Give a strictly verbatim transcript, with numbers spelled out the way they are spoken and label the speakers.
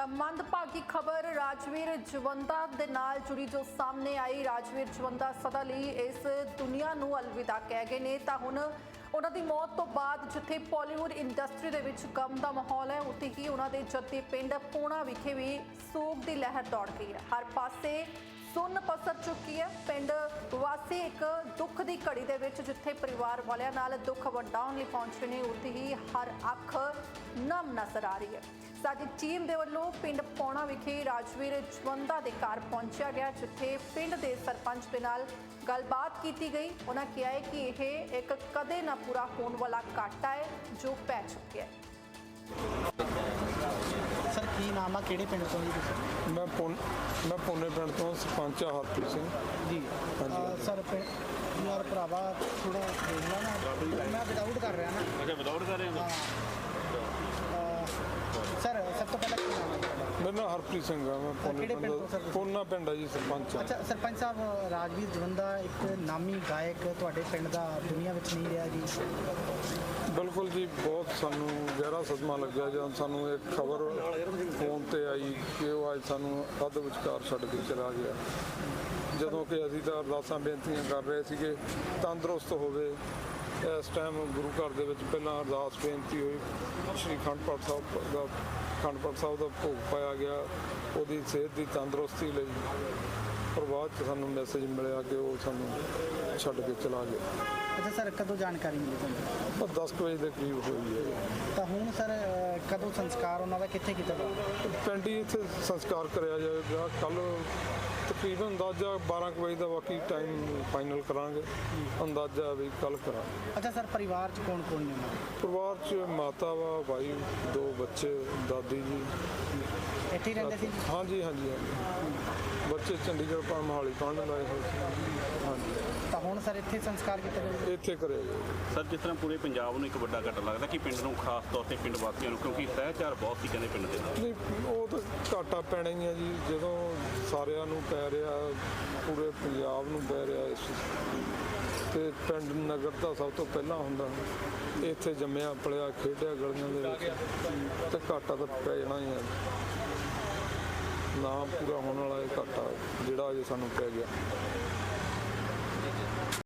Speaker 1: ਤਾਂ ਮੰਦਭਾਗੀ ਖਬਰ ਰਾਜਵੀਰ ਜਵੰਦਾ ਦੇ ਨਾਲ ਜੁੜੀ ਜੋ ਸਾਹਮਣੇ ਆਈ। ਰਾਜਵੀਰ ਜਵੰਦਾ ਸਦਾ ਲਈ ਇਸ ਦੁਨੀਆ ਨੂੰ ਅਲਵਿਦਾ ਕਹਿ ਗਏ ਨੇ। ਤਾਂ ਹੁਣ ਉਹਨਾਂ ਦੀ ਮੌਤ ਤੋਂ ਬਾਅਦ ਜਿੱਥੇ ਬਾਲੀਵੁੱਡ ਇੰਡਸਟਰੀ ਦੇ ਵਿੱਚ ਗਮ ਦਾ ਮਾਹੌਲ ਹੈ, ਉੱਥੇ ਹੀ ਉਹਨਾਂ ਦੇ ਜੱਦੀ ਪਿੰਡ ਪੂਣਾ ਵਿਖੇ ਵੀ ਸੋਗ ਦੀ ਲਹਿਰ ਦੌੜ ਗਈ ਹੈ। ਹਰ ਪਾਸੇ ਸੁੰਨ ਪਸਰ ਚੁੱਕੀ ਹੈ। ਪਿੰਡ ਵਾਸੀ ਇੱਕ ਦੁੱਖ ਦੀ ਘੜੀ ਦੇ ਵਿੱਚ ਜਿੱਥੇ ਪਰਿਵਾਰ ਵਾਲਿਆਂ ਨਾਲ ਦੁੱਖ ਵੰਡਾਉਣ ਲਈ ਪਹੁੰਚੇ ਨੇ, ਉੱਥੇ ਹੀ ਹਰ ਅੱਖ ਨਮ ਨਜ਼ਰ ਆ ਰਹੀ ਹੈ। ਸਾਡੀ ਟੀਮ ਦੇ ਵੱਲੋਂ ਪਿੰਡ ਪੌਣਾ ਵਿਖੇ ਰਾਜਵੀਰ ਜਵੰਦਾ ਦੇ ਘਰ ਪਹੁੰਚਿਆ ਗਿਆ, ਜਿੱਥੇ ਪਿੰਡ ਦੇ ਸਰਪੰਚ ਦੇ ਨਾਲ ਗੱਲਬਾਤ ਕੀਤੀ ਗਈ। ਉਹਨਾਂ ਕਿਹਾ ਹੈ ਕਿ ਇਹ ਇੱਕ ਕਦੇ ਨਾ ਪੂਰਾ ਹੋਣ ਵਾਲਾ ਘਾਟਾ ਹੈ ਜੋ ਪੈ ਚੁੱਕਿਆ ਹੈ।
Speaker 2: ਸਰ ਕੀ ਨਾਮ ਆ, ਕਿਹੜੇ ਪਿੰਡ ਤੋਂ ਜੀ ਤੁਸੀਂ?
Speaker 3: ਮੈਂ ਪੁਨ ਮੈਂ ਪੁਨੇ ਪਿੰਡ ਤੋਂ ਸਰਪੰਚ ਆ ਹਰਪ੍ਰੀਤ ਸਿੰਘ
Speaker 2: ਜੀ ਸਰ ਪਿੰਡ ਯਾਰ ਭਰਾਵਾ ਥੋੜਾ ਦੇਖਣਾ ਨਾ, ਮੈਂ ਵਿਦਆਊਟ ਕਰ ਰਿਹਾ ਨਾ।
Speaker 4: ਅੱਛਾ ਵਿਦਆਊਟ ਕਰ ਰਹੇ ਹੋ?
Speaker 2: ਸਰ ਸਭ ਤੋਂ ਪਹਿਲਾਂ ਕੀ ਨਾਮ ਹੈ ਤੁਹਾਡਾ?
Speaker 3: ਮੇਰਾ ਨਾਮ ਹਰਪ੍ਰੀਤ ਸਿੰਘ ਆ। ਮੈਂ ਪੁਨੇ
Speaker 2: ਕਿਹੜੇ ਪਿੰਡ ਤੋਂ ਸਰ?
Speaker 3: ਪਿੰਡ ਪੁਨਾ ਪਿੰਡ ਆ ਜੀ, ਸਰਪੰਚ ਆ।
Speaker 2: ਅੱਛਾ ਸਰਪੰਚ ਸਾਹਿਬ, ਰਾਜਵੀਰ ਜਵੰਦਾ ਇੱਕ ਨਾਮੀ ਗਾਇਕ ਤੁਹਾਡੇ ਪਿੰਡ ਦਾ ਦੁਨੀਆ ਵਿੱਚ ਨਹੀਂ ਰਿਹਾ ਜੀ।
Speaker 3: ਬਿਲਕੁਲ ਜੀ, ਬਹੁਤ ਸਾਨੂੰ ਗਹਿਰਾ ਸਦਮਾ ਲੱਗਿਆ ਜਦੋਂ ਸਾਨੂੰ ਇਹ ਖਬਰ ਫੋਨ ਤੇ ਆਈ ਕਿ ਉਹ ਅੱਜ ਸਾਨੂੰ ਅੱਧ ਵਿਚਕਾਰ ਛੱਡ ਕੇ ਚਲਾ ਗਿਆ। ਜਦੋਂ ਕਿ ਅਸੀਂ ਤਾਂ ਅਰਦਾਸਾਂ ਬੇਨਤੀਆਂ ਕਰ ਰਹੇ ਸੀਗੇ ਤੰਦਰੁਸਤ ਹੋਵੇ। ਇਸ ਟਾਈਮ ਗੁਰੂ ਘਰ ਦੇ ਵਿੱਚ ਪਹਿਲਾਂ ਅਰਦਾਸ ਬੇਨਤੀ ਹੋਈ, ਸ਼੍ਰੀ ਅਖੰਡ ਪਾਠ ਸਾਹਿਬ ਦਾ ਅਖੰਡ ਪਾਠ ਸਾਹਿਬ ਦਾ ਭੋਗ ਪਾਇਆ ਗਿਆ ਉਹਦੀ ਸਿਹਤ ਦੀ ਤੰਦਰੁਸਤੀ ਲਈ। ਪਰ ਬਾਅਦ 'ਚ ਸਾਨੂੰ ਮੈਸੇਜ ਮਿਲਿਆ ਕਿ ਉਹ ਸਾਨੂੰ ਛੱਡ ਕੇ ਚਲਾ ਗਿਆ।
Speaker 2: ਅੱਛਾ ਸਰ, ਕਦੋਂ ਜਾਣਕਾਰੀ ਮਿਲੀ ਤੁਹਾਨੂੰ?
Speaker 3: ਪਰ ਦਸ ਕੁ ਵਜੇ ਦੇ ਕਰੀਬ ਹੋਈ ਹੈ।
Speaker 2: ਤਾਂ ਹੁਣ ਸਰ ਕਦੋਂ ਸੰਸਕਾਰ ਉਹਨਾਂ ਦਾ ਕਿੱਥੇ ਕੀਤਾ ਜਾਊਗਾ?
Speaker 3: ਪਿੰਡ ਹੀ ਇੱਥੇ ਸੰਸਕਾਰ ਕਰਿਆ ਜਾਏਗਾ ਕੱਲ੍ਹ ਤਕਰੀਬਨ ਅੰਦਾਜ਼ਾ ਬਾਰਾਂ ਕੁ ਵਜੇ ਦਾ, ਬਾਕੀ ਟਾਈਮ ਫਾਈਨਲ ਕਰਾਂਗੇ। ਅੰਦਾਜ਼ਾ ਵੀ ਕੱਲ੍ਹ ਕਰਾਂਗੇ।
Speaker 2: ਅੱਛਾ ਸਰ, ਪਰਿਵਾਰ 'ਚ ਕੌਣ ਕੌਣ ਨੇ ਉਹਨਾਂ ਦੇ?
Speaker 3: ਪਰਿਵਾਰ 'ਚ ਮਾਤਾ ਵਾ, ਭਾਈ, ਦੋ ਬੱਚੇ, ਦਾਦੀ ਜੀ।
Speaker 2: ਇੱਥੇ ਹੀ ਰਹਿੰਦੇ ਸੀ?
Speaker 3: ਹਾਂਜੀ ਹਾਂਜੀ ਹਾਂਜੀ ਬੱਚੇ ਚੰਡੀਗੜ੍ਹ ਪਾ ਮੋਹਾਲੀ ਪੜ੍ਹਨ ਲਾਏ ਹੋਏ ਸੀ। ਹਾਂਜੀ
Speaker 2: ਤਾਂ ਹੁਣ ਸਰ ਇੱਥੇ ਸੰਸਕਾਰ ਕੀਤਾ ਜਾਊਗਾ?
Speaker 3: ਇੱਥੇ ਕਰਿਆ ਜਾਏਗਾ।
Speaker 4: ਸਰ ਜਿਸ ਤਰ੍ਹਾਂ ਪੂਰੇ ਪੰਜਾਬ ਨੂੰ ਇੱਕ ਵੱਡਾ ਘਾਟਾ ਲੱਗਦਾ ਕਿ ਪਿੰਡ ਨੂੰ ਖਾਸ ਤੌਰ ਤੇ ਪਿੰਡ ਵਾਸੀਆਂ ਨੂੰ, ਕਿਉਂਕਿ ਸਹਿਚਾਰ ਬਹੁਤ ਸੀ ਕਹਿੰਦੇ ਪਿੰਡ ਦੇ ਨਾਲ।
Speaker 3: ਨਹੀਂ, ਉਹ ਤਾਂ ਘਾਟਾ ਪੈਣਾ ਹੀ ਹੈ ਜੀ, ਜਦੋਂ ਸਾਰਿਆਂ ਨੂੰ ਪੈ ਰਿਹਾ, ਪੂਰੇ ਪੰਜਾਬ ਨੂੰ ਪੈ ਰਿਹਾ ਇਸ ਤੇ ਪਿੰਡ ਨਗਰ ਦਾ ਸਭ ਤੋਂ ਪਹਿਲਾਂ ਹੁੰਦਾ। ਇੱਥੇ ਜੰਮਿਆ ਪਲਿਆ ਖੇਡਿਆ ਗਲੀਆਂ ਦੇ ਵਿੱਚ, ਤੇ ਘਾਟਾ ਤਾਂ ਪੈ ਜਾਣਾ ਹੀ ਹੈ। ਨਾ ਪੂਰਾ ਹੋਣ ਵਾਲਾ ਇਹ ਘਾਟਾ ਜਿਹੜਾ ਅਜੇ ਸਾਨੂੰ ਪੈ ਗਿਆ।